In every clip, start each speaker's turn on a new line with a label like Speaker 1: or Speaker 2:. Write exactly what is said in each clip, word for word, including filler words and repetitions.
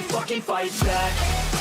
Speaker 1: fucking fight back.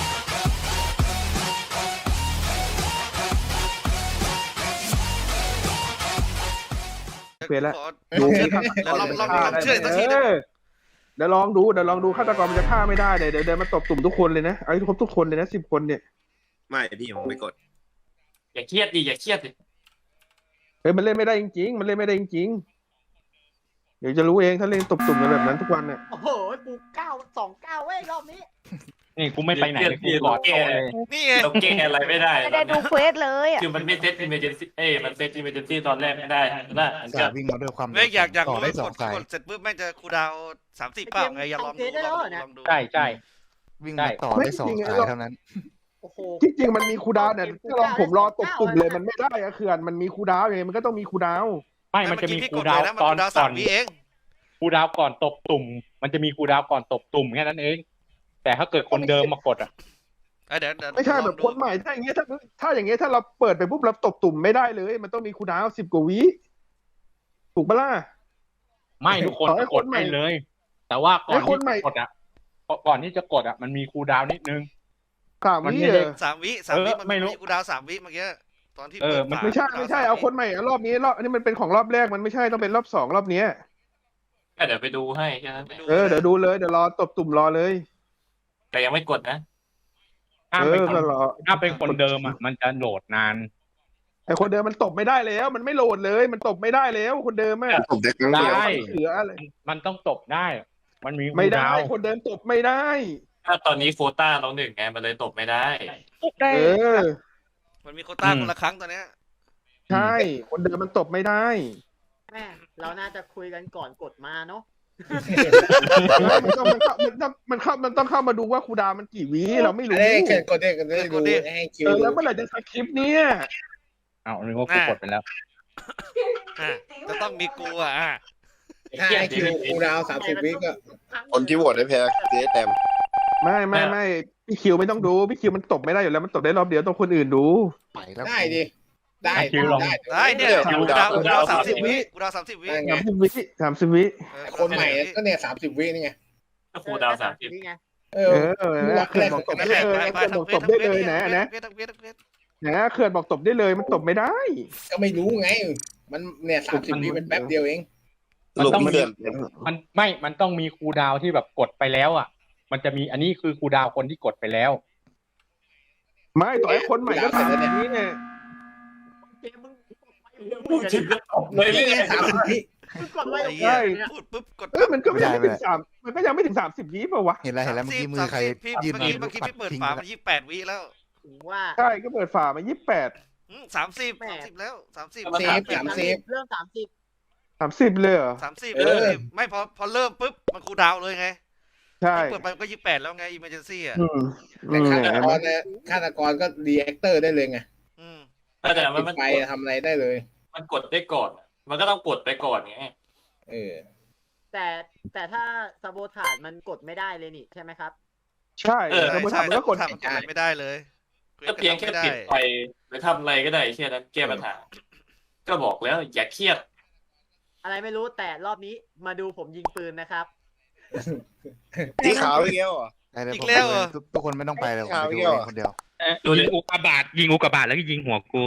Speaker 2: เปลี่ยนแล้ว
Speaker 3: ดู
Speaker 2: ดู
Speaker 3: แล้วลองลองลองเชื่อสักทีนึง
Speaker 2: เดี๋ยวลองดูเดี๋ยวลองดูฆาตกรมันจะฆ่าไม่ได้เดี๋ยวเดี๋ยวมาตบตุ่มทุกคนเลยนะเอาให้ครบทุกคนเลยนะสิบคนเนี่ย
Speaker 4: ไม่พี่ผมไม่กด
Speaker 5: อย่าเครียดดิอย่าเครียดดิ
Speaker 2: เฮ้ยมันเล่นไม่ได้จริงๆมันเล่นไม่ได้จริงๆเดี๋ยวจะรู้เองถ้าเล่นตบตุ่มกันแบบนั้นทุกวันเนี่ย
Speaker 6: โอ้โหปูเก้าสองเก้าเว้ยรอบนี้
Speaker 7: นี่กูไม่ไปไหนเลยกูกอด
Speaker 5: แก้
Speaker 7: โต๊ะเลย
Speaker 3: นี่ไง
Speaker 5: เราแก้อะไรไม่ได้
Speaker 8: ไม่ได้ดูเควสเลยอ่ะ
Speaker 5: คือมันไม่เซตอิมเมอร์เจนซี่เอ้ยมันเซตอิมเมอร์เจนซี่ตอนแรกไม่ได้นะมัน
Speaker 9: สา
Speaker 5: จะ
Speaker 9: วิ่งมาด้วยความ
Speaker 3: ไม่อยากอยาก
Speaker 9: ต่อ
Speaker 3: รู้
Speaker 9: ได้ส
Speaker 3: ก
Speaker 9: อง
Speaker 3: ด
Speaker 9: สาย
Speaker 3: กดเสร็จปุ๊บแม่งจะคูลดาวน์สามสี่เปล่าไงอย่าลองดูลองดูลองดู
Speaker 7: ใช่ใช่
Speaker 9: วิ่งมาต่อได้สองสายเท่านั้น
Speaker 6: โอ้โห
Speaker 2: ที่จริงมันมีคูลดาวน์เนี่ยถ้าลองผมรอตบตุ่มเลยมันไม่ได้อะเขื่อนมันมีคูลดาวน์ไงมันก็ต้องมีคูลดาวน์
Speaker 7: ไม่มันจะมี
Speaker 3: เอกี้พี่
Speaker 7: คู
Speaker 3: ก
Speaker 7: ล
Speaker 3: ด
Speaker 7: ดาว
Speaker 3: เลย
Speaker 7: น์
Speaker 3: นะมัน
Speaker 7: ตอน
Speaker 3: คูลดาวน์
Speaker 7: ก่
Speaker 3: สา
Speaker 7: อ
Speaker 3: ม
Speaker 7: น
Speaker 3: วิเอง
Speaker 7: คูลดาวน์ก่อนตบตุ่ม มันจะมีคูลดาวน์ก่อนตบตุ่มแค่นั้นเอง แต่ถ้าเกิดคนเดิมมากดอ่ะ
Speaker 3: เอ้ยเดี๋ยวเดี๋ยว
Speaker 2: ไม่ใช่
Speaker 3: ล
Speaker 2: แบ
Speaker 3: อง
Speaker 2: บ
Speaker 3: ดู
Speaker 2: คนใหม่ถ้าอย่างเงี้ยถ้าถ้าอย่างเงี้ยถ้าเราเปิดไปปุ๊บเราตบตุ่มไม่ได้เลย มันต้องมีคูลดาวน์สิบกว่าวิถูกปะล่ะ
Speaker 7: ไม่ทุกคน
Speaker 2: ขอให้
Speaker 7: ก
Speaker 2: ค
Speaker 7: ด
Speaker 2: นใหม่
Speaker 7: ได้เลย แต่ว่าก่อน
Speaker 2: ให้คน
Speaker 7: ที่
Speaker 2: ใหม่
Speaker 7: จะกดอ่ะก่อนที่จะกดอ่ะมันมีคูลดาวน์นิดนึง
Speaker 2: สาม
Speaker 7: มัน
Speaker 2: วิ
Speaker 7: ไม่
Speaker 2: เอ
Speaker 7: ได้
Speaker 2: อ
Speaker 3: สามวิสามวิ
Speaker 7: เออ
Speaker 3: มัน
Speaker 7: ไม่รู้
Speaker 3: มีคูลดาวน์สามวิเมื่อกี้ตอนที่
Speaker 7: เอ
Speaker 3: เปิ
Speaker 7: อ
Speaker 3: ด
Speaker 7: มัน
Speaker 3: ฝา
Speaker 2: ไม่ใช่
Speaker 3: คูลดาวน์
Speaker 2: ไม่ใช่
Speaker 3: ส
Speaker 2: เอา
Speaker 3: วิ
Speaker 2: คนใหม่อะรอบนี้รอบอันนี้มันเป็นของรอบแรกมันไม่ใช่ต้องเป็นรอบสองรอบเนี้ย
Speaker 5: เดี๋ยวไปดูให้แค่นั้น
Speaker 3: ไปดู
Speaker 2: เออเดี๋ยวดูเลยเดี๋ยวรอตบตุ่มรอเลย
Speaker 5: แต่ยังไม่กดนะ
Speaker 7: ถ้า
Speaker 2: เอ
Speaker 7: เป็น
Speaker 2: อ
Speaker 7: คน
Speaker 2: ก็รอ
Speaker 7: ถ้าเป็นคนเดิมอ่ะมันจะโหลดนาน
Speaker 2: ไอคนเดิมมันตบไม่ได้แล้ว มันไม่โหลดเลย มันตบไม่ได้แล้วคนเดิมอะ
Speaker 4: ผมได้ครั้งเดียว
Speaker 7: ได้
Speaker 2: เหลืออะไร
Speaker 7: มันต้องตบได้ มันมีคู
Speaker 2: ไม่
Speaker 7: ล
Speaker 2: ได้
Speaker 7: ดาวน์
Speaker 2: คนเดิมตบไม่ได้
Speaker 5: ถ้าตอนนี้โควต้าเราหนึ่งไงมันเลยตบไม่ได้
Speaker 2: เออ
Speaker 3: มันมีโควต้าคนละครั้งตอนเนี้ย
Speaker 2: ใช่ คนเดิมมันตบไม่ได้
Speaker 6: แม่เราน่าจะคุยกันก่อนกดมาเนาะ
Speaker 2: มันต้องมันเข้ามันต้องมันเข้ามันต้องเข้ามาดูว่าครูดาวมันกี่วิเราไม่รู้
Speaker 10: ได้เกิดกดได้กันได้ดูให้คิว
Speaker 2: เออแล้วเมื่อไหร่จะสคริปต์เนี่ย
Speaker 7: เอานึกว่ากูกดไปแล้ว
Speaker 3: อ่ะจะต้องมีกูอ่ะอ่ะ
Speaker 10: ถ้าให้คิวคูดาวสามสิบวิก็
Speaker 4: คนที่โหวตได้แพ้เจ๊แต้ม
Speaker 2: ไม่ไม่ไม่พี่คิวไม่ต้องดูพี่คิวมันตบไม่ได้อยู่แล้วมันตบได้รอบเดียวต้องคนอื่นดู
Speaker 9: ไปแล้ว
Speaker 10: ได้ดิได้
Speaker 7: คิวลอง
Speaker 10: ได้
Speaker 3: ได้เนี่ยคูลดาวน์คูลดาวน์สามสิบวิคูลดาวน์สามสิบวิ
Speaker 10: ได้ไง
Speaker 2: สามสิบวิสามสิบวิ
Speaker 3: เออ
Speaker 10: คนใหม่ก็เนี่ยสามสิบวินี่ไง
Speaker 5: ก็คูลดาวน์สามสิบ
Speaker 6: นี่ไง
Speaker 10: เอ
Speaker 2: เอ
Speaker 10: อ
Speaker 2: อแล้วเขื่อนบอกตบ
Speaker 3: นั่
Speaker 2: ได้
Speaker 3: นแหละ
Speaker 2: เลย
Speaker 3: ไป
Speaker 2: เขื่อน
Speaker 3: ไป
Speaker 2: บอก
Speaker 3: ทั้ง
Speaker 2: ตบได้เลยนะนะ
Speaker 3: เวททั้งเวททั้งเวท
Speaker 2: นะเขื่อนบอกตบได้เลยมันตบไม่ได้
Speaker 10: ก็ไม่รู้ไง มันเนี่ยสามสิบวิมันแป๊บเดียวเอง
Speaker 4: สรุปพี่เดือน
Speaker 7: มันไม่ มันต้องมีคูลดาวน์ที่แบบกดไปแล้วอ่ะ มันจะมีอันนี้คือคูลดาวน์คนที่กดไปแล้ว
Speaker 2: ไม่ต่อให้คนใหม่ก็ทำแบบนี้เนี่ย
Speaker 6: เกมมึงกดไปเร็ว
Speaker 5: พูดถึงก็ตบเลย
Speaker 10: นี่ไงสามสิบวิ
Speaker 6: มึงกดไป
Speaker 3: ไอ้
Speaker 6: เร็ว
Speaker 3: เหี้ยพูดปุ๊บกด
Speaker 2: เออมันก็ยังไม่ถึงสามมันก็ยังไม่ถึงสามสิบวิป่าวะ
Speaker 9: เห็นแล้วเห็นแล้วเมื่อกี้มือใคร
Speaker 3: พี่
Speaker 9: ยืน
Speaker 3: เมื่อ
Speaker 9: มื
Speaker 3: กี้
Speaker 9: อ
Speaker 3: เมื่อกี้
Speaker 9: ปัด
Speaker 3: พี่เปิด
Speaker 9: ทิ้ง
Speaker 3: ฝา
Speaker 9: ไป
Speaker 3: มันยี่สิบแปดวิแล้ว
Speaker 6: ถึงว่า
Speaker 2: ใช่ก็เปิดฝามายี่สิบแปด
Speaker 3: สามสิบสามสิบแล้วสามสิบ
Speaker 10: เซฟสามสิบ
Speaker 6: เรื่องสามสิบ
Speaker 2: สามสิบเลยเหรอ
Speaker 3: สามสิบ
Speaker 10: เออ
Speaker 3: ไม่พอพอเริ่มปุ๊บมันคูลดาวน์เลยไง
Speaker 2: ใช่
Speaker 3: เปิดไปมันก็ยี่สิบแปดแล้วไงอิมเมอร์เจนซี่อ่ะ
Speaker 2: อืมอื
Speaker 10: แต่
Speaker 2: ม
Speaker 10: ฆาตกรเนี่ยฆาตกรก็รีแอคเตอร์ได้เลยไง
Speaker 3: อืม
Speaker 5: แต่มัน
Speaker 10: ปิด
Speaker 5: มัน
Speaker 10: ไฟทำอะไรได้เลย
Speaker 5: มันกดได้ก่อน มันก็ต้องกดไปก่อนไง
Speaker 10: เออ
Speaker 6: แต่แต่ถ้าสโบถาดมันกดไม่ได้เลยนี่ใช่ไหมครับ
Speaker 2: ใช่
Speaker 5: เออ
Speaker 2: สมมติ
Speaker 3: ใช่
Speaker 2: ทำมันก็กด
Speaker 3: ทำมันกดอะไรไม่ได้เลย
Speaker 5: ก็เพียงแค่ปิดไฟหรือทำอะไรก็ได้แค่นั้นแก้ปัญหา ก็บอกแล้วอย่าเครียด
Speaker 6: อะไรไม่รู้แต่รอบนี้มาดูผมยิงปืนนะครับ
Speaker 4: สีขาวอีกแล้วเหรอ
Speaker 9: ได้เลย
Speaker 3: อี
Speaker 9: ผม
Speaker 3: กแล้ว
Speaker 9: ไป
Speaker 3: เหร
Speaker 9: เล
Speaker 3: อ
Speaker 9: ยทุกทุกคนไม่ต้องไปเลยผม
Speaker 4: เอา
Speaker 9: ไป
Speaker 4: อี
Speaker 9: ดู
Speaker 4: กแล้ว
Speaker 9: เองคนเดียว
Speaker 7: ยิงอุกกาบาตยิงอุกกาบาตแล้วก็ยิงหัวกู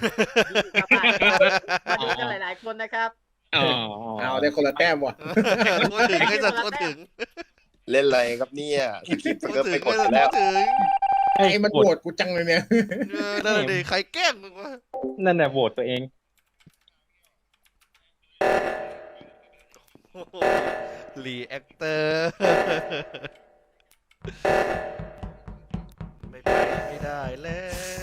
Speaker 6: มาดูกันหลาย ๆ คนนะครับ
Speaker 7: อ๋อ
Speaker 10: เอาได้คนละแต้มว่ะ
Speaker 3: พูดถึงไอ้สัตว์พูดถึง
Speaker 4: เล่นอะไรครับเนี่ยสคริปต์
Speaker 3: พู
Speaker 4: มัน
Speaker 3: ด
Speaker 4: ก็
Speaker 3: ถึ
Speaker 4: ไป
Speaker 3: ง
Speaker 4: กด
Speaker 3: พูด
Speaker 4: แล้ว
Speaker 3: ถึง
Speaker 10: ไอ้มันปวดกูจังเลยเนี่ย
Speaker 3: เออนั่นนะดิใครแกล้งมึงวะ
Speaker 7: นั่นแหละโหวตตัวเอง
Speaker 3: รีแอคเตอร์ไม่ไปไม่ได้แล้ว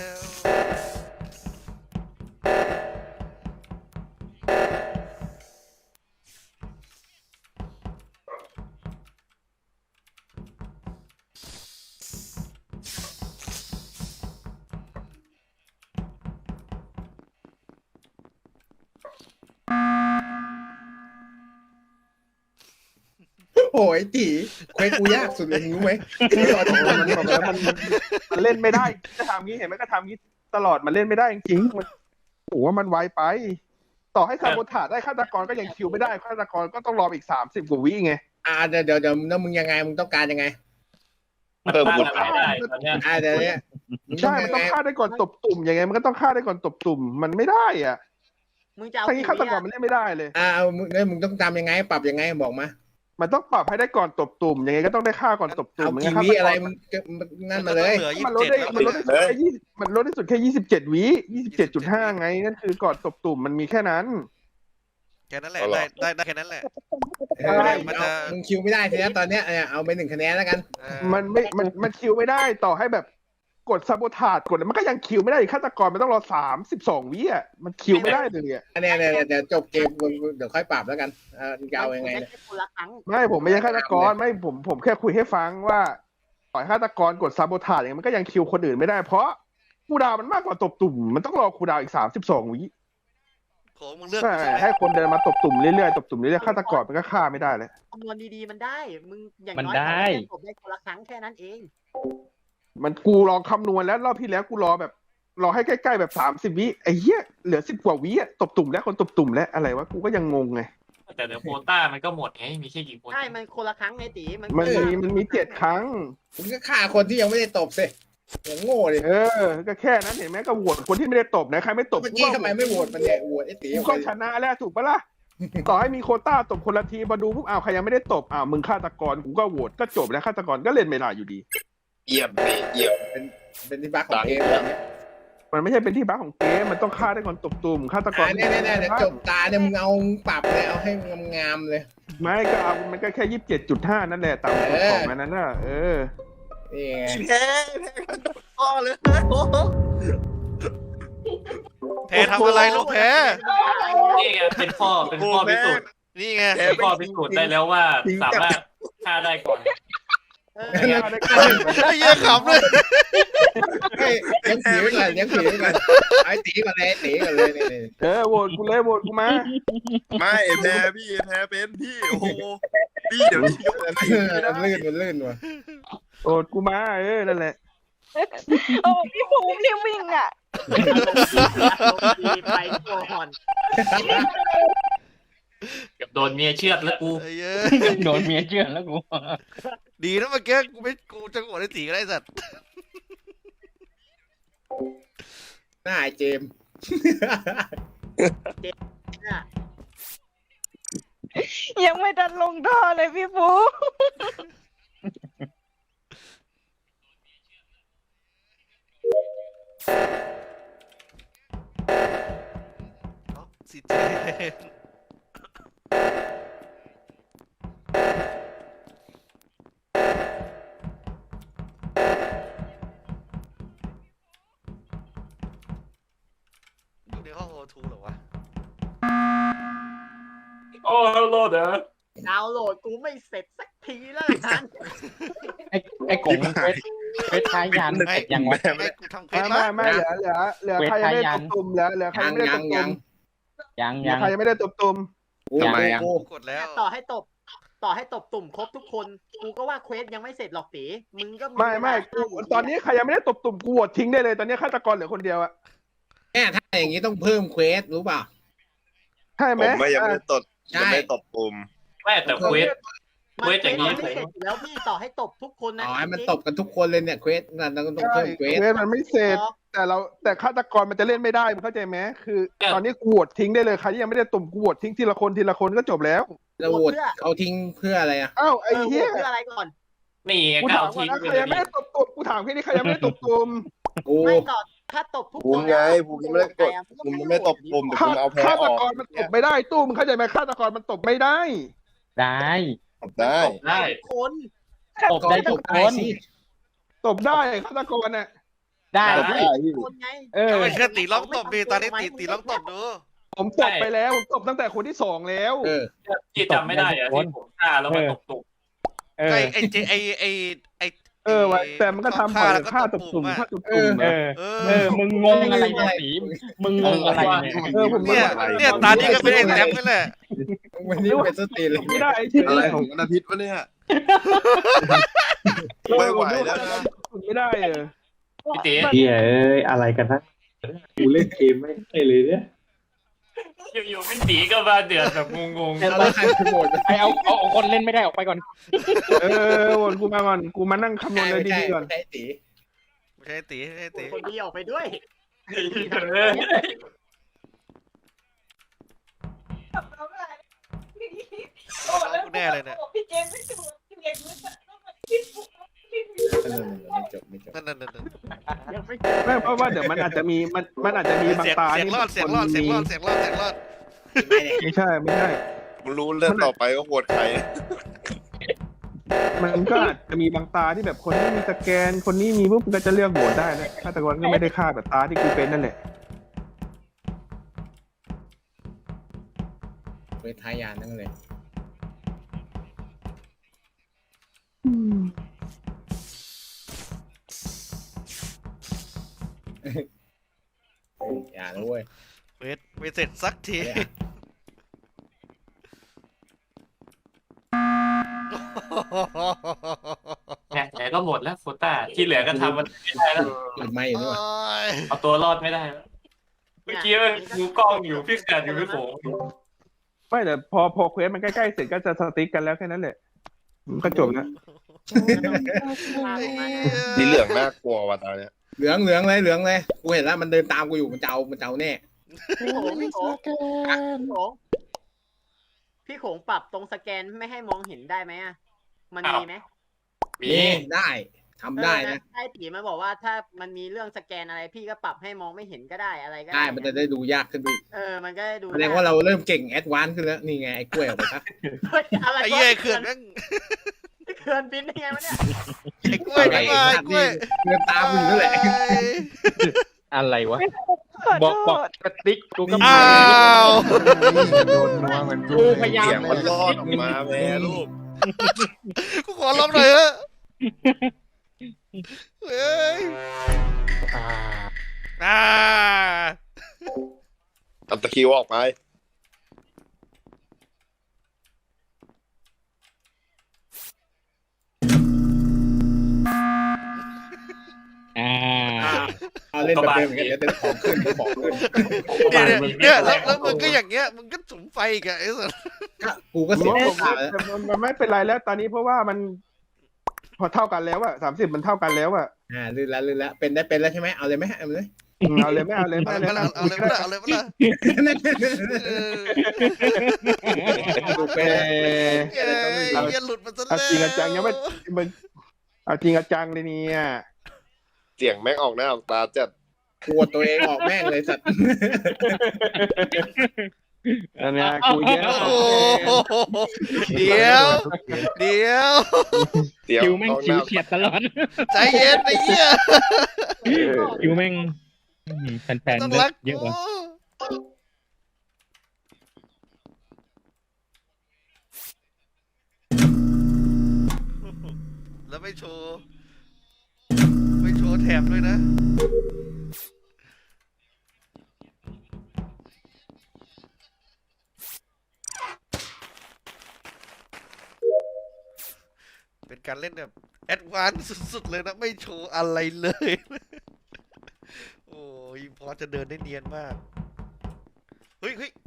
Speaker 10: โอ้ยจีเควสกูยากสุดเลยรู้ไหม
Speaker 2: มันบอกแล้วมันมันเล่นไม่ได้จะทำงี้เห็นไหมก็ทำงี้ตลอดมันเล่นไม่ได้จริงๆมันโอ้โหมันไวไป ต่อให้ซาโบถาได้ฆาตกรก็ยังคิวไม่ได้ฆาตกรก็ต้องรออีกสามสิบกว่าวิไง
Speaker 10: อ่าเดี๋ยวเดี๋ยวเดี๋ยวแล้วมึงยังไงมึงต้องการยังไง
Speaker 5: มัน
Speaker 4: เพิ่ม
Speaker 5: ฆ่า
Speaker 4: บุญ
Speaker 5: อะไรได้ตอนเนี้ย
Speaker 10: อ่าเดี๋ยวเนี้ยมึง
Speaker 2: ใช่
Speaker 10: ต้อง
Speaker 2: มันต้อง
Speaker 10: ไง
Speaker 2: ฆ่าได้ก่อนตบตุ่มยังไงมันก็ต้องฆ่าได้ก่อนตบตุ่มมันไม่ได้อ่ะ
Speaker 6: มึงจะเอา
Speaker 2: ทั้งนี้
Speaker 6: กี่
Speaker 2: ฆาต
Speaker 6: วิ
Speaker 2: กร
Speaker 6: อะ
Speaker 2: มันเล่นไม่ได้เลย
Speaker 10: อ่าเอามึงเนี่ยมึงต้องจำยังไงปรับยังไงบอกมา
Speaker 2: มันต้องปรับให้ได้ก่อนตบตุ่มยังไงก็ต้องได้ฆ่าก่อนตบตุ่
Speaker 10: เอา
Speaker 2: ม
Speaker 10: กี่
Speaker 2: ฆา
Speaker 10: วิ
Speaker 2: ตก
Speaker 10: อะไรมึงก็นั่นมาเลย
Speaker 3: เหลือยี่
Speaker 2: มัน
Speaker 3: สิบ
Speaker 2: ลด
Speaker 3: เจ็ด
Speaker 2: ได้
Speaker 3: แล้ว
Speaker 2: มันลดได้สุดแค่ยี่มันลดได้สุดแค่ยี่สิบเจ็ดวิยี่สิบเจ็ดจุดห้าไงนั่นคือก่อนตบตุ่มมันมีแค่นั้น
Speaker 3: แค่นั้นแหละได้ได้ได้แค่นั้นแหละ
Speaker 10: เออ
Speaker 3: มันจะ
Speaker 10: มึงคิวไม่ได้ทีนี้ตอนเนี้ยเนี่ยเอาไปหนึ่งคะแนนแล้วกัน
Speaker 3: เออ
Speaker 2: มันไม่ มัน มันคิวไม่ได้ต่อให้แบบกดซาโบทาดกดแล้วมันก็ยังคิวไม่ได้อีกฆาตกรมันต้องรอสามสิบสองวิอ่ะมันคิวไม่ได้เลยอ่ะ
Speaker 10: อันเนี้ยเนี่ยเดี๋ยวจบเกมมึงเดี๋ยวค่อยปรับแล้วกันเออจะเอายังไง
Speaker 6: ได้
Speaker 10: เนี่ย
Speaker 6: แค่คนละครั้ง
Speaker 2: ไม่ผมไม่ใช่ฆาตกรไม่ผมผมแค่คุยให้ฟังว่าต่อยฆาตกรกดซาโบทาดอย่างเงี้ยมันก็ยังคิวคนอื่นไม่ได้เพราะคูลดาวน์มันมากกว่าตบตุ่มมันต้องรอคูลดาวน์อีกสามสิบสองวิ
Speaker 3: โหมึงเลือก
Speaker 2: ใช่ให้คนเดินมาตบตุ่มเรื่อยๆตบตุ่มเรื่อยๆฆาตกรมันก็ฆ่าไม่ได้เลย
Speaker 6: คำนวณดีๆมันได้ มึงอย่าง
Speaker 7: มัน
Speaker 6: น้อย
Speaker 7: ได้
Speaker 6: ขอให้จบได้คนละครั้งแค่นั้นเอง
Speaker 2: มันกูลองคำนวณแล้วรอบที่แล้วกูรอแบบรอให้ใกล้ๆแบบสามสิบวิไอ้เหี้ยเหลือสิบกว่าวิอะตบตุ่มแล้วคนตบตุ่มแล้วอะไรวะกูก็ยังงงไง
Speaker 5: แต่เดี๋ยวโควต้ามันก็หมดไงมีแค่กี่คน
Speaker 6: ใช่ มันคนละครั้งไงตีมัน
Speaker 2: มันมีมันมีเจ็ดครั้ง
Speaker 10: มึงก็ฆ่าคนที่ยังไม่ได้ตบสิอย่างโง่เลย
Speaker 2: เออ ก็แค่นั้นเห็นไหมก็โหวตคนที่ไม่ได้ตบนะใครไม่ตบ
Speaker 10: เมื่อกี้ทำไมไม่โหวตมันเนี่ยโหวตไอ้ตี
Speaker 2: กูก็ชนะแล้วถูกปะล่ะ ต่อให้มีโควต้าตบคนละทีมาดูปุ๊บอ้าวใครยังไม่ได้ตบอ้าวมึงฆาตกรกูก็โหวตก็จบแล้วฆาตกรก็เล่นไม่ได้อยู่ดี
Speaker 4: เยี่ยมพี่เยี่ยม
Speaker 10: เป็นที่บักของเกมแบบเนี้ย
Speaker 2: มันไม่ใช่เป็นที่บั๊กของเกมมันต้องฆ่าได้ก่อนตบตุ่มฆาตกร
Speaker 10: อ่าเนี่ยเนี่ยเนี่ยจบตาเนี่ยมึงเอาปรับเลยเอาให้งามๆเลย
Speaker 2: ไม่ก็เอามันก็แค่ยี่สิบเจ็ดจุดห้านั่นแหละตามกฎของมันนั่นน่ะเออ
Speaker 10: นี่ไง
Speaker 4: แพ้แพ้กันพ่อเลยโอ้โห
Speaker 3: แพ้ทำอะไรลูกแพ้
Speaker 5: นี่ไงเป็นข้อเป็นข้อพิสูจน์
Speaker 3: นี่ไง
Speaker 5: เป็นข้อพิสูจน์ได้แล้วว่าสามารถฆ่าได้ก่อน
Speaker 6: เออ
Speaker 2: ฆ่าได้ก่อน
Speaker 3: ไอ้เหี้ยขำเลย
Speaker 10: เฮ้ยเลี้ยงผีไว้ก่อนเลี้ยงผีไว้ก่อนไอ้ตีก่อนเลยไอ้ตีก่อนเลยนี่นี่
Speaker 2: เออโหวตกูเลยโหวตกูมา
Speaker 4: ไม่แพ้พี่แพ้เป็นพี่โอ้โหพี่เดี๋ยวนี้ยก
Speaker 10: มัน
Speaker 4: ตี
Speaker 10: ลื่นมันลื่นว่ะ
Speaker 2: โหวตกูมาเออนั่นแหละ
Speaker 1: โอ้พี่ภูมิรีบวิ่งอ่ะ
Speaker 6: ลงดีไปก่อน
Speaker 5: เกับโดนเมียเชือดแล้วกู
Speaker 3: ไอ้เหี้ย
Speaker 7: โดนเมียเชื่อแล้วกู
Speaker 3: ดีนะเมื่อกี้กูไม่กูจะโหวตไอ้ตีก็ได้สัตว์
Speaker 10: หน้าไอ้เจมส์
Speaker 6: เนี่ย
Speaker 1: ยังไม่ดันลงท่อเลยพี่ภูมิ
Speaker 3: เอ้าสิเจนอยู่ในห้องโอทูเหรอวะ
Speaker 5: โอ้โลดเหรอ
Speaker 6: ดาวน์โหลดกูไม่เสร็จสักทีแล้วกัน
Speaker 7: ไอ้ไอ้กงเฟสเฟสท้ายยันเสร็จยังวะ
Speaker 3: ไอ้กูทำเคว
Speaker 2: ไม่
Speaker 3: ส
Speaker 2: ไม่
Speaker 3: ละ
Speaker 2: ไม่เหลือเหลือเหลือใครยังไม่ได้ตบตุ่มเหลือเหลือใคร
Speaker 10: ยั
Speaker 2: ยัง งไม่ได้
Speaker 10: ยั
Speaker 2: ต
Speaker 10: ง
Speaker 2: บตุ่
Speaker 10: ยั
Speaker 2: ม
Speaker 10: ง
Speaker 7: ยัง
Speaker 2: เหลื
Speaker 7: ยั
Speaker 2: อง ใครยังไม่ได้ตบตุ่ม
Speaker 10: กูกูกู
Speaker 3: กดแล้ว
Speaker 6: ต่อให้ตบ ต่อให้ตบตุ่มครบทุกคน กูก็ว่าเควสยังไม่เสร็จหรอกตีมึงก็
Speaker 2: ไม่ไม่กูตอนนี้ใครยังไม่ได้ตบตุ่มกูโหวตทิ้งได้เลยตอนนี้ฆาตกรเหลือคนเดียวอะ
Speaker 10: แม่ถ้าอย่างนี้ต้องเพิ่มเควสรู้เปล่า
Speaker 2: ใช่ไห
Speaker 4: ผม มไม่ยังไม่ได้ตด
Speaker 10: ใช่
Speaker 4: ยังไม่ได้ตบปุ่ม
Speaker 5: แม่แต่เควส
Speaker 6: มัน
Speaker 5: เควสอย่างนี้
Speaker 6: นี้ไม่เสร็จอยู่แล้วพี่ต่อให้ตบทุกคนนะ
Speaker 10: อ๋อให้มันตบกันทุกคนเลยเนี่ยเควสนั่นเราก็ต้อง
Speaker 2: ใช่
Speaker 10: เพิ่มเควส
Speaker 2: เควสมันไม่เสร็จ แต่เราแต่ฆาตกรมันจะเล่นไม่ได้มึงเข้าใจไหมคือ ตอนนี้กูโหวตทิ้งได้เลยใครที่ยังไม่ได้ตุ่มกูโหวตทิ้งทีละคนทีละคนก็จบแล้ว
Speaker 10: เราโหวตเอาทิ้งเพื่ออะไรอ่ะ
Speaker 2: อ้าว
Speaker 6: เอ
Speaker 2: ไอ้
Speaker 6: อ
Speaker 2: เหี้ย
Speaker 6: เพื่ออะไรก่อน
Speaker 5: นี่ไง
Speaker 2: กู
Speaker 5: ก็
Speaker 2: ถา
Speaker 5: เอา
Speaker 2: มก่อน
Speaker 5: ทิ้ง
Speaker 2: นะ
Speaker 5: ไป
Speaker 2: ใคร
Speaker 5: เล
Speaker 2: ยังไม่
Speaker 5: ย
Speaker 2: ได้ตบตุ่มกูถามแค่นี้ใครยังไม่ได้ตบตุ่ม
Speaker 10: กู
Speaker 6: ไม่ต่อถ้าตบทุกคน
Speaker 4: ภูมิไงภูมิยังไม่ได้กดภูมิยังไม่ตบปุ่มแต่ภู
Speaker 2: ฆา
Speaker 4: มิเอาแพ้
Speaker 2: ฆา
Speaker 4: อ
Speaker 2: ต
Speaker 4: อก
Speaker 2: กรมันตบไม่ได้ตู้มึงเข้าใจไหมฆาตกรมันตบไม่ได้
Speaker 7: ได้
Speaker 4: ตบได้
Speaker 5: ได้
Speaker 6: คน
Speaker 7: ตบได้ทุกคน
Speaker 10: สิ
Speaker 2: ตบได้ฆาตกรน่ะ
Speaker 7: ได้
Speaker 4: ตบได้พี่
Speaker 6: คนไง
Speaker 7: เออ
Speaker 3: เอาไปเชื่อตีลองตบดีตอนนี้ตีตีลองตบดู
Speaker 2: ผมตบไปแล้วผมตบตั้งแต่คนที่สองแล้ว
Speaker 10: เออ
Speaker 5: ที่จำไม่ได้อะที่ผมฆ่าแล้วมาตบตุก
Speaker 7: เออ
Speaker 3: ไอ้ไอ้เจไอ้ไอ้ไอ้
Speaker 2: เออว่ะแต่มันก็ทำ
Speaker 3: ฆ่า
Speaker 2: ผ่า
Speaker 3: แล้วก็
Speaker 2: ฆ่า
Speaker 3: ต
Speaker 2: ต
Speaker 3: บบ ปุ่
Speaker 2: ตุ่
Speaker 3: ม
Speaker 2: ม
Speaker 3: อะ
Speaker 2: ฆ่าตบตุ่ม
Speaker 7: เอ
Speaker 2: อะ
Speaker 7: อ
Speaker 3: เอ
Speaker 7: เอ
Speaker 3: อ
Speaker 7: อ มึงงงอะไรเนี่ยสีมึงงงอะไรเนี่ย
Speaker 2: เออผม
Speaker 3: เนี่ยเนี่ยตานี้ก็เป็นไอ้แซมนี่แหละ
Speaker 10: วันนี้เป็นสตรีเลย
Speaker 2: ไม่ได้เฉย
Speaker 4: อะไรของวันอาทิตย์วะเนี่ย ไม่ไหวแล้วนะ
Speaker 2: ไม่ได้เออ
Speaker 5: พี่ตี
Speaker 8: เฮียเอ้ยอะไรกันนะกูเล่นเกมไม่ได้เลยเนี่ย
Speaker 5: อยู่ๆพี่ตีก็มาเดือดแบบงง
Speaker 10: แล้วใครเป็นโหวต
Speaker 7: ไอเอาเอาเอาคนเล่นไม่ได้ออกไปก่อน
Speaker 2: เออวนกูมาก่อนกูมานั่งคำนวณเลย
Speaker 10: ไม่ใช่
Speaker 2: ดีๆก่อน
Speaker 10: ไม่ใช่ตี
Speaker 3: ไม่ใช่ตีไม่ใช่ตี
Speaker 6: คนดีออกไปด้วย
Speaker 5: ๆเออ
Speaker 1: โอ้
Speaker 3: น้องกูแน่เลยเนี่ย
Speaker 1: พี่เจมไม่ถูกพี่เจมไม่ถูก
Speaker 10: เออไม่จบไม่จบ
Speaker 3: นั่นนั่นนั่น
Speaker 6: ยังไม่
Speaker 2: ไม่เพราะว่าเดี๋ยวมันอาจจะมีมันมันอาจจะมีบาง
Speaker 3: เสียง
Speaker 2: ตา
Speaker 3: เสียง
Speaker 2: ที่
Speaker 3: รอดเสียงรอดเสียงรอดเสียงรอดเสียงรอด
Speaker 10: ไม่เนี่ย
Speaker 2: ไม่ใช่ไม่ใช่
Speaker 4: มึงรู้เรื่องต่อไปก็โหวตใคร
Speaker 2: มันก็อาจจะมีบางตาที่แบบคนนี้มีสแกนคนนี้มีปุ๊บมันก็จะเลือกโหวตได้นะฆาตกรก็ไม่ได้ฆ่าแบบตาที่กูเป็นนั่นแหละ
Speaker 10: ไปทายานนั่นเลยอย่าเลยเว้ย
Speaker 3: เวทไม่เสร็จสักที
Speaker 5: เนี่ยแต่ก็หมดแล้วโควต้าที่เหลือก็ทำมันไม่ได้แล้ว
Speaker 10: หลุดไม่อยู่ด้วย
Speaker 5: เอาตัวรอดไม่ได้แล้วเมื่อกี้ดูกล้องอยู่พี่แขกอยู่พี่โผ
Speaker 2: ไม่แต่พอพอเควสมันใกล้ๆเสร็จก็จะสติ๊กกันแล้วแค่นั้นแหละมันก็จบแล้ว
Speaker 4: นี่เหลืองน่ากลัวว่ะตอนเนี้ย
Speaker 10: เหลืองเหลืองเลยเหลืองเลยกูเห็นแล้วมันเดินตามกูอยู่มันจะเอามันจะเอาแน่
Speaker 6: พี่โขงพี่โขงพี่โขงพี่โขงปรับตรงสแกนไม่ให้มองเห็นได้ไหมอ่ะมันมีไหม
Speaker 5: มี
Speaker 10: นี่ได้ทำได้นะ
Speaker 6: ไอ้ตีมันบอกว่าถ้ามันมีเรื่องสแกนอะไรพี่ก็ปรับให้มองไม่เห็นก็ได้อะไรก็
Speaker 10: ได้มันจะได้ดูยากขึ้นไปอีก
Speaker 6: เออมันก็ได้ดู
Speaker 10: แสดงว่าเราเริ่มเก่งแอดวานซ์ขึ้นแล้วนี่ไงไอ้กล้วยออกไปซะ
Speaker 6: เฮ้ยอะไร
Speaker 3: ไอ้เหี้ยเขื่อนแม่ง
Speaker 6: เขื่อนบินได้ไงวะเนี่ย
Speaker 3: ไอ้กล้วยไอ้กล้วยไอ้กล้วย
Speaker 10: เดินตามกูอยู่นั่นแหละ
Speaker 7: อะไรวะ
Speaker 1: ขอ
Speaker 7: บอก
Speaker 1: โท
Speaker 7: บอก
Speaker 1: ษ
Speaker 7: กระติกกูก็
Speaker 3: อ้าว
Speaker 9: โดนนัวเหมือนกู
Speaker 7: กูพยายาม
Speaker 4: เสียงมันรอดออกมาแม่ลูก
Speaker 3: กูขอร้องหน่อยเถอะเฮ้ย
Speaker 7: อ่า
Speaker 3: อ่า
Speaker 4: เอาตะคริวออกไป
Speaker 7: อ่า
Speaker 10: เอาเล่นแบบเดิมเหมือนกันเดี๋ยวเดินของขึ้นเดี๋ยวของขึ้น
Speaker 3: เนี่ยเนี่ยเนี่ยแล้วแล้วมึงก็อย่างเงี้ยมึงก็สุมไฟอีกอะไอ้สัส
Speaker 10: ก็กูก็เสีย
Speaker 2: ผม
Speaker 10: โอกาสแล้ว
Speaker 2: มันมันไม่เป็นไรแล้วตอนนี้เพราะว่ามัน พอเท่ากันแล้วอะสามสิบมันเท่ากันแล้วอะ
Speaker 10: อ่าลื่นแล้วลื่นแล้วเป็นได้เป็นแล้วใช่ไหมเอาเลยไหมเอาเลย
Speaker 2: เอาเลยไม่เอาเลยไม่
Speaker 3: เอา
Speaker 2: เอา
Speaker 3: เล
Speaker 2: เลย ย
Speaker 3: เอาเลยเอาเลยเอาเลยเออ
Speaker 10: ดูเป็น
Speaker 3: เอ้ยอย่าหลุดมาซะ
Speaker 2: เอา
Speaker 3: เลย
Speaker 2: จริงเอาจังยังไม่มึงเอาจริงเอาจังเลยเนี่ย
Speaker 4: เสียงแม่งออกหน้าออกตาจัด
Speaker 10: กลัวตัวเองออกแม่งเลยสัตว์
Speaker 2: อันเนี้ยกูเยอะ
Speaker 3: โอ้โหเดี๋ยวเดี๋ยว
Speaker 4: เสียง
Speaker 7: คิวแม่ง
Speaker 4: ออกห
Speaker 7: คิว
Speaker 4: น้า
Speaker 7: เฉียดตลอด
Speaker 3: ใจเย็นไอ้เหี้ย
Speaker 7: คิวแม่งอื้อหือแฟน
Speaker 3: ต้อง
Speaker 7: ๆ
Speaker 3: รัก
Speaker 7: เยอะ
Speaker 3: กู
Speaker 7: ว่ะ
Speaker 3: แล้วไม่โชว์ไม่โชว์แถบด้วยนะ เป็นการเล่นแบบแอดวานซ์สุดๆเลยนะ ไม่โชว์อะไรเลย โอ้ยพอจะเดินได้เนียนมาก เฮ้ยเฮ้ย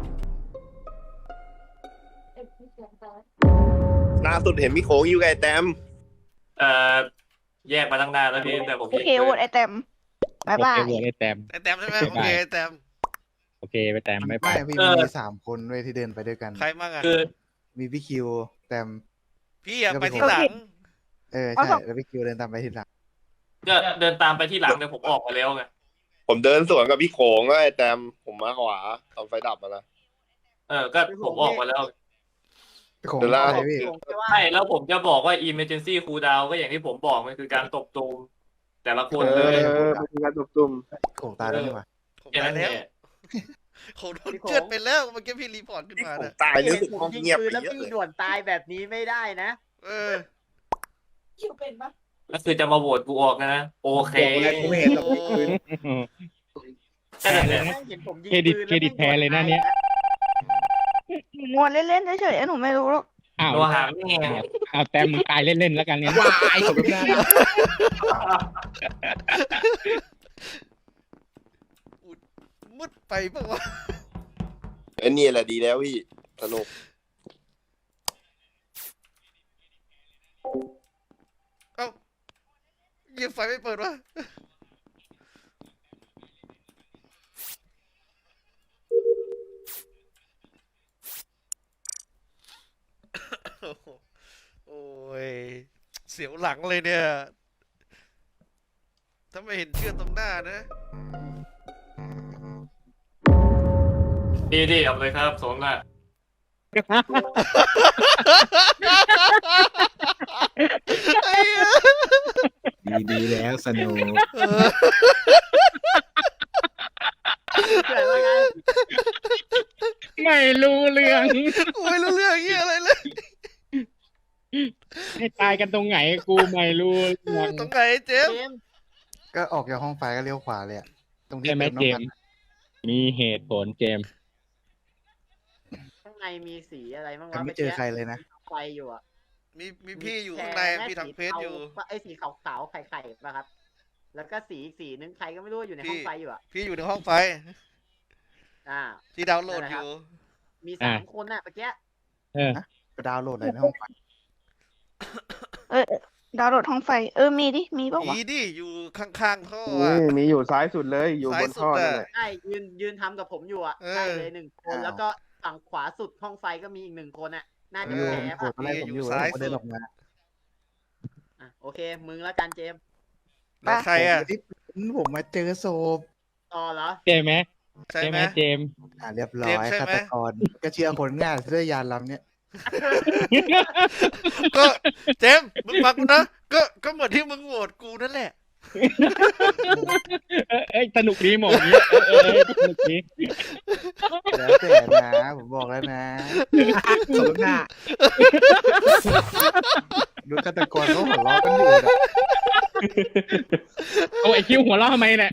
Speaker 4: ล่าสุดเห็นพี่โขงอยู่กับไอ้แต้ม
Speaker 5: เอ่อแยกมาตั้งนานแล้วพี่แต่ผม
Speaker 1: โอเคโหวตไอเต็มบายบาย
Speaker 7: โอเคโหวตไอ้แต้ม
Speaker 3: ไอแต้มใช่ไหมโอเคไอแต้ม
Speaker 7: โอเคไปแต้มไม่ไป
Speaker 9: ไม่พี่มีสามคนด้วยที่เดินไปด้วยกัน
Speaker 3: ใครมั่งอะ
Speaker 5: คือ
Speaker 9: มีพี่คิวแต้ม
Speaker 3: พี่อะไปที่หลัง
Speaker 9: เออใช่แล้วพี่คิวเดินตามไปทีหลัง
Speaker 5: ก็เดินตามไปที่หลังแต่ผมออกมาแล้วไง
Speaker 4: ผมเดินสวนกับพี่โขงแล้วไอ้แต้มผมมาขวาตอนไฟดับมาแล้ว
Speaker 5: เออก็ผมออกมาแล้ว
Speaker 9: ของ
Speaker 4: เดี๋ยวล่า
Speaker 9: อะไรพี่
Speaker 6: ผมจะว่า
Speaker 5: ใช่แล้วผมจะบอกว่า emergency cool down ก็อย่างที่ผมบอกมันคือการตบตูมแต่ละคน
Speaker 2: เอ
Speaker 5: เลย
Speaker 2: อเป็นการตุ่มตุ่ม
Speaker 9: ของตายแล้วนี่หว่า
Speaker 3: ผม
Speaker 5: แค่
Speaker 3: ตา
Speaker 5: นั้
Speaker 3: ย
Speaker 5: น
Speaker 3: แล้ว
Speaker 5: แหละ
Speaker 3: ผมโดนเชือดไปแล้วเมื่อกี้พี่รีพอร์ตขึ้น
Speaker 4: พี่
Speaker 3: มา
Speaker 4: โขง
Speaker 3: เนี่ย
Speaker 4: ตายรู้สึกห้อง
Speaker 6: ยิง
Speaker 4: เงียบ
Speaker 6: ปื
Speaker 4: ไป
Speaker 6: นแล้ว
Speaker 4: เยอะ
Speaker 6: พี่
Speaker 4: เลย
Speaker 6: ด่วนตายแบบนี้ไม่ได้นะ
Speaker 3: เออ
Speaker 1: คิวเป็นปะ
Speaker 5: ก็คือจะมาโหวตกูออกนะโอเค
Speaker 10: บอกอะไรกูไม่เห็นหรอกคืน
Speaker 5: แค่นั้นแหละ
Speaker 6: แม่งเห็นผมยิง
Speaker 7: เครดิต
Speaker 6: ปืน
Speaker 7: เครดิตแพ้เลยนะเนี่ย
Speaker 1: งวนเล่นๆเฉยๆหนูไม่รู้หรอก
Speaker 7: อ้าว
Speaker 5: ตัวหางนี่ไง
Speaker 7: อ้าวแต้มมึงตายเล่นๆแล้วกันเนี่ย
Speaker 10: วายสมน้ำหน้า
Speaker 3: มืดไปปะวะ
Speaker 4: ไอ้นี่แหละดีแล้วพี่สนุก
Speaker 3: เอ้ายังไฟไม่เปิดวะโอ้ยเสียวหลังเลยเนี่ย ถ้าไม่เห็นเชือกตรงหน้านะ
Speaker 5: ดีดีเอาเลยครับสมน่ะ
Speaker 3: ไอ้เหี้ย
Speaker 10: ดีดีแล้วสนุก
Speaker 3: เออ
Speaker 6: เกิดว่าไง
Speaker 7: ไม่รู้เรื่อง
Speaker 3: กูไม่รู้เรื่องเหี้ยอะไรเลย
Speaker 7: ให้ตายกันตรงไหนกูไม่รู้เรื่อง
Speaker 3: ตรงไหนเจม
Speaker 6: เจ
Speaker 3: ส์
Speaker 6: มส์
Speaker 9: ก็ออกจากห้องไฟก็เลี้ยวขวาเลยอะตรงที่
Speaker 7: ใช่ไหม
Speaker 9: เติม
Speaker 7: เจ
Speaker 9: น้ำ
Speaker 7: ม
Speaker 9: มัน
Speaker 7: ส์มีเหตุผลเจมส์
Speaker 6: ข้างในมีสีอะไรบ้าง
Speaker 9: แต่
Speaker 6: วะ
Speaker 9: ไม่เจอใครเลยนะ
Speaker 6: ไฟอยู่อ่ะ
Speaker 3: มีมีพี่อยู่ข้างใน
Speaker 6: แค่
Speaker 3: พี่ทาง
Speaker 6: สี
Speaker 3: เฟซอยู่
Speaker 6: ทาไอ้สีขาวๆไข่ๆป่ะครับ แล้วก็สีอีกสีนึงใครก็ไม่รู้อยู่ในห้องไฟอยู่อ่ะ
Speaker 3: พี่อยู่ในห้องไฟ
Speaker 6: อ่า
Speaker 3: ที่ดาวน์โหลด
Speaker 6: นั่นแห
Speaker 3: อ
Speaker 6: ละครับ
Speaker 3: ยู่
Speaker 6: มีสามคนน่ะเมื่อกี้
Speaker 7: เออ
Speaker 9: ไปดาวน์โหลดอะไรในห้องไฟ
Speaker 1: เออดาวน์โหลดห้องไฟ เออมีดิมีปะวะ
Speaker 3: มีดิอยู่ข้างๆท่อ
Speaker 2: นี่
Speaker 3: อะ
Speaker 2: มีอยู่ซ้ายสุดเลยอยู่บนท่อ
Speaker 3: ซ้ายสุดอะ
Speaker 2: นั่นแหละ
Speaker 6: ใช่ยืนยืนทำกับผมอยู่อ่ะ
Speaker 3: เออ
Speaker 6: ใช่เลยหนึ่งคน
Speaker 9: อ้าว
Speaker 6: แล้วก็ฝั่งขวาสุดห้องไฟก็มีอีกหนึ่งคนอ่ะ น่าจะ
Speaker 9: อยู่
Speaker 6: แพ้
Speaker 9: ผม
Speaker 6: ป่ะ
Speaker 9: ตอนแรกผมอยู่
Speaker 3: อยู่
Speaker 9: แล้ว
Speaker 3: ซ้าย
Speaker 9: ผมก็เดิน
Speaker 3: สุด
Speaker 9: ออกมา
Speaker 6: อ่ะโอเค มึงแล้วกันเจมส์
Speaker 3: แล้วใครอ่ะ
Speaker 9: ผมไม่ได้เป็นผมมาเจอศพ
Speaker 6: ต่อเหรอ
Speaker 7: ใช่ไหม
Speaker 3: ใช่
Speaker 7: ใช่
Speaker 3: ไห
Speaker 7: ไห
Speaker 3: ม
Speaker 7: มเจมส์
Speaker 9: อ่าเรียบร้อ
Speaker 3: เจม
Speaker 9: ย
Speaker 3: ส์ใช่
Speaker 9: ฆา
Speaker 3: ไหม
Speaker 9: ตกรก็เชื่อคนง่ายด้วยยานลำเนี้ย
Speaker 3: ก็เจมส์มึงฟังกูนะ ก็ก็เหมือนที่มึงโหวตกูนั่นแหละ
Speaker 7: เออเอ้ยสนุกดีหมองนี้เออเออสนุกดี
Speaker 9: แล้วแต่นะผมบอกแล้วนะ
Speaker 10: สมหน้า
Speaker 9: ดูฆาตกรเขาหัวเราะกันอยู่นะ
Speaker 7: เอาไอคิวหัวเราะทำไมเนี่ย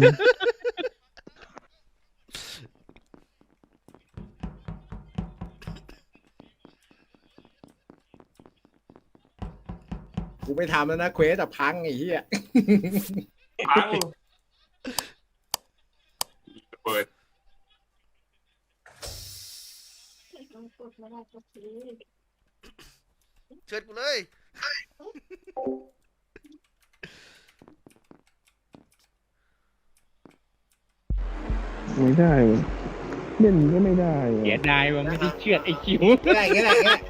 Speaker 10: กูไม่ทำแล้วนะเควสแต่พังไอ้เหี้ย
Speaker 5: พังเปิด
Speaker 3: เชิญกูเลย
Speaker 2: ไม่ได้เล่นก็ไม่ได้
Speaker 7: เสียดายว่าไม่ได้เชือดไอคิว
Speaker 10: ก็ได้ก็ได้ก็ได้